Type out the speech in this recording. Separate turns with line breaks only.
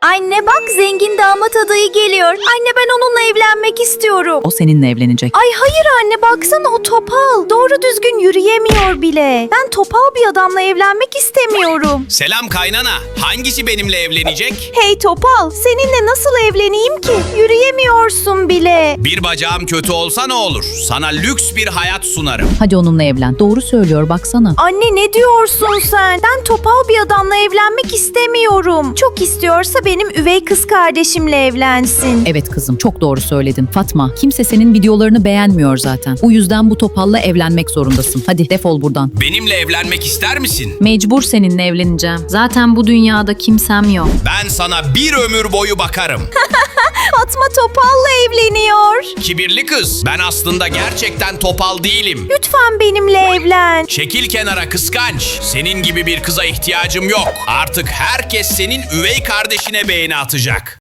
Anne bak, zengin damat adayı geliyor. Anne, ben onunla evlenmek istiyorum.
O seninle evlenecek.
Ay hayır anne, baksana o topal. Doğru düzgün yürüyemiyor bile. Ben topal bir adamla evlenmek istemiyorum.
Selam kaynana. Hangisi benimle evlenecek?
Hey topal, seninle nasıl evleneyim ki? Yürüyemiyorsun bile.
Bir bacağım kötü olsa ne olur? Sana lüks bir hayat sunarım.
Hadi onunla evlen. Doğru söylüyor baksana.
Anne ne diyorsun sen? Ben topal bir adamla evlenmek istemiyorum. Çok istiyorsa benim üvey kız kardeşimle evlensin.
Evet kızım, çok doğru söyledin. Fatma, kimse senin videolarını beğenmiyor zaten. Bu yüzden bu topalla evlenmek zorundasın. Hadi defol buradan.
Benimle evlenmek ister misin?
Mecbur seninle evleneceğim. Zaten bu dünyada kimsem yok.
Ben sana bir ömür boyu bakarım.
Fatma topalla evleniyor.
Kibirli kız. Ben aslında gerçekten topal değilim.
Lütfen benimle evlen.
Çekil kenara kıskanç. Senin gibi bir kıza ihtiyacım yok. Artık herkes senin üvey kardeşine beğeni atacak.